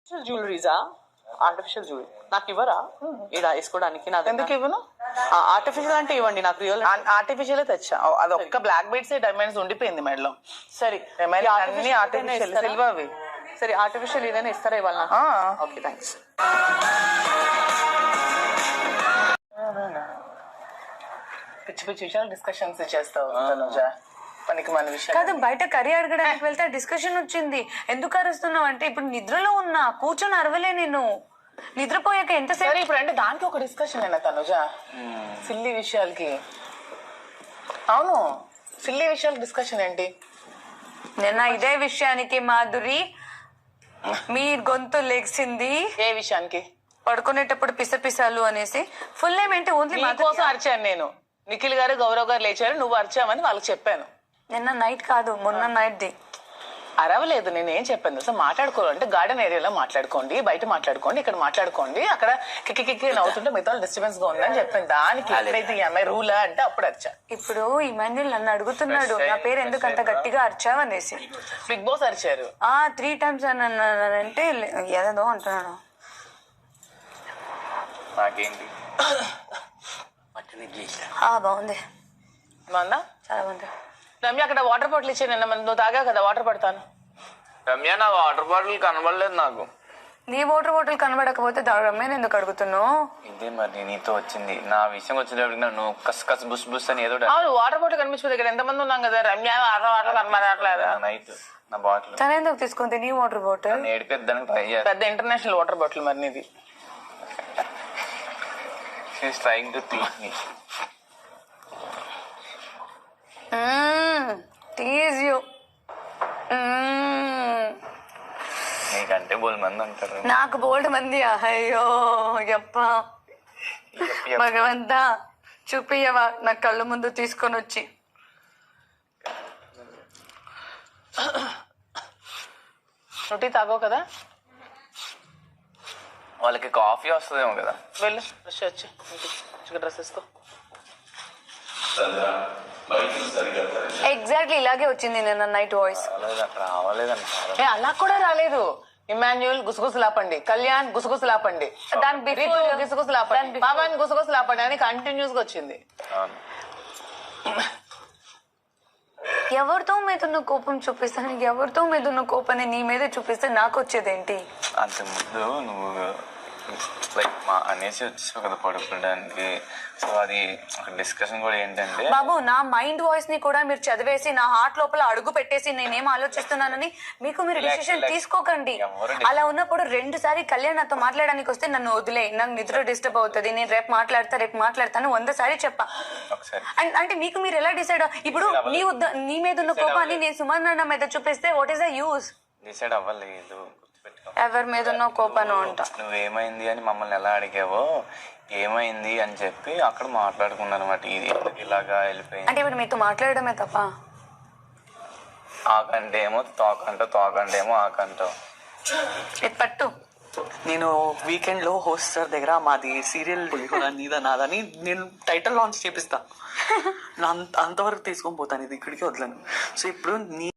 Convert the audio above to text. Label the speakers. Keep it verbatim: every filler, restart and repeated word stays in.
Speaker 1: జ్యువెలరీసా? Artificial jewellery నాకు ఇవ్వరా ఇలా వేసుకోవడానికి? నాకు
Speaker 2: ఎందుకు ఇవ్వను?
Speaker 1: ఆర్టిఫిషియల్ అంటే ఇవ్వండి, నాకు రియల్
Speaker 2: ఆర్టిఫిషియల్ తెచ్చా. అది ఒక్క బ్లాక్ బీడ్స్ డైమండ్స్ ఉండిపోయింది మెడలో.
Speaker 1: సరే
Speaker 2: అన్ని ఆర్టిఫిషియల్ సిల్వర్ అవి.
Speaker 1: సరే ఆర్టిఫిషియల్ ఏదైనా ఇస్తారా ఇవాళ? Okay thanks.
Speaker 2: పిచ్చి పిచ్చి విషయాలు డిస్కషన్స్ చేస్తావు తనుజ. పనికి మన విషయం
Speaker 3: కాదు, బయట కర్రీ అడగడానికి వెళ్తే డిస్కషన్ వచ్చింది. ఎందుకు అరుస్తున్నావు అంటే ఇప్పుడు నిద్రలో ఉన్నా, కూర్చొని అరవలే నేను. నిద్రపోయాక ఎంతసేపు?
Speaker 2: సరే ఇప్పుడు అంటే దానికి ఒక డిస్కషన్ అయినా తనుజ, సిల్లీ విషయాలకి. అవును, సిల్లీ విషయాలు డిస్కషన్ ఏంటి?
Speaker 3: నిన్న ఇదే విషయానికి మాధురి మీ గొంతు లెగ్సింది.
Speaker 2: ఏ విషయానికి?
Speaker 3: పడుకునేటప్పుడు పిసపిసాలు అనేసి. ఫుల్ నేమ్ ఏంటి? ఓన్లీ
Speaker 2: మా కోసం అరిచాను నేను. నిఖిల్ గారు గౌరవ్ గారు లేచారు, నువ్వు అరిచావని వాళ్ళకి చెప్పాను.
Speaker 3: నిన్న నైట్ కాదు, మొన్న నైట్ ది.
Speaker 2: అరవలేదు. నేను ఏం చెప్పాను అసలు, మాట్లాడుకోవాలంటే గార్డెన్ ఏరియాలో మాట్లాడుకోండి, బయట మాట్లాడుకోండి, ఇక్కడ మాట్లాడుకోండి. అక్కడ కిక్కి కిక్కి నవ్వుతుంటే మిగతా డిస్టర్బెన్స్ గా ఉందని చెప్పాను. దానికి ఎప్పుడైతే ఈ అమ్మాయి రూలా అంటే అప్పుడు అరిచా.
Speaker 3: ఇప్పుడు ఇమాన్యుల్ నన్ను అడుగుతున్నాడు నా పేరు ఎందుకు అంత గట్టిగా అరిచావు అనేసి.
Speaker 2: బిగ్ బాస్ అరిచారు
Speaker 3: ఆ త్రీ టైమ్స్ అని అన్నానంటే ఏదో అంటున్నాడు. బాగుంది,
Speaker 2: బాగుందా?
Speaker 3: చాలా బాగుంది.
Speaker 2: రమ్య అక్కడ వాటర్ బాటిల్ ఇచ్చే నిన్న నువ్వు తాగావు కదా, వాటర్ పడతాను.
Speaker 4: రమ్య నా వాటర్ బాటిల్ కనబడలేదు నాకు.
Speaker 3: నీ వాటర్ బాటిల్ కనబడకపోతే రమ్యని ఎందుకు అడుగుతున్నావు?
Speaker 4: ఇదే మరి నీతో వచ్చింది. నా విషయం వచ్చినప్పుడు నన్ను కస్ కస్ బుస్ బుస్ అని ఏదో
Speaker 2: అవును, వాటర్ బాటిల్ కనిపించదు. ఇక్కడ ఎంతమంది ఉన్నాం కదా. రమ్య వాటర్ వాటర్ కనబడట్లేదు.
Speaker 4: నైట్ నా బాటిల్
Speaker 3: తన ఎందుకు తీసుకుంది నీ వాటర్ బాటిల్?
Speaker 4: ఏడిపేద్దానికి ట్రై చేస్తాను.
Speaker 2: పెద్ద ఇంటర్నేషనల్ వాటర్ బాటిల్ మరి నీది.
Speaker 4: She is trying to teach me.
Speaker 3: Tease you.
Speaker 4: నీకంటే బోల్ మంది ఉంటారు.
Speaker 3: నాకు బోల్డ్ మంది. అయ్యో యప్ప భగవంతా, చూపియవా నా కళ్ళు ముందు తీసుకొని వచ్చి.
Speaker 2: నువ్వు తాగో కదా,
Speaker 4: వాళ్ళకి కాఫీ వస్తుందేమో కదా.
Speaker 2: వెళ్ళు ఫ్రెష్ వచ్చి డ్రెస్ వేసుకో.
Speaker 3: ఎగ్జాక్ట్లీ ఇలాగే వచ్చింది నిన్న నైట్ వాయిస్.
Speaker 4: రావలేదండి.
Speaker 2: ఏ అలా కూడా రాలేదు. ఇమాన్యుల్ గుసగుసలాపండి, కళ్యాణ్ గుసగుసలాపండి,
Speaker 3: దాని బిఫోర్
Speaker 2: గుసగుసలాపండి, పావన్ గుసగుసలాపండి అని కంటిన్యూస్ గా వచ్చింది.
Speaker 3: ఎవరితో మీద కోపం చూపిస్తాను, ఎవరితో మీద కోపాన్ని నీ మీద చూపిస్తే నాకు వచ్చేదేంటి?
Speaker 4: అంత ముందు నువ్వు లైక్ మా అనేసి వచ్చేసావు కదా పడుకోవడానికి. సో అది డిస్కషన్ కూడా ఏంటంటే,
Speaker 3: బాబు నా మైండ్ వాయిస్ ని కూడా మీరు చదివేసి నా హార్ట్ లోపల అడుగు పెట్టేసి నేనేం ఆలోచిస్తున్నానని మీకు మీరు డిసిషన్ తీసుకోకండి. అలా ఉన్నప్పుడు రెండు సారి కళ్యాణ్ నాతో మాట్లాడడానికి వస్తే నన్ను వదిలే, నాకు నిద్ర డిస్టర్బ్ అవుతుంది, నేను రేపు మాట్లాడతా రేపు మాట్లాడతాను వంద సారి చెప్పా. అంటే మీకు మీరు ఎలా డిసైడ్? ఇప్పుడు నీ నీ మీద ఉన్న కోపాన్ని నేను సుమన్ మీద చూపిస్తే what is the use?
Speaker 4: Decide అవ్వలేదు.
Speaker 3: ఎవరి మీద ఉన్న కోపాను అంట.
Speaker 4: నువ్వేమైంది అని మమ్మల్ని ఎలా అడిగావో ఏమైంది అని చెప్పి అక్కడ మాట్లాడుకున్నారు అనమాట. ఇది ఇలాగా వెళ్ళిపోయింది
Speaker 3: అంటే ఇప్పుడు మీతో మాట్లాడడమే తప్ప.
Speaker 4: ఆకంటే ఏమో తోకంట, తోకంటే ఏమో ఆకంటావు.
Speaker 3: ఇది పట్టు.
Speaker 1: నేను వీకెండ్ లో హోస్ట్ సార్ దగ్గర మాది సీరియల్ నీదా నాదని నేను టైటిల్ లాంచ్ చేపిస్తా. అంతవరకు తీసుకొని పోతాను, ఇది ఇక్కడికి వదలను. సో ఇప్పుడు నీ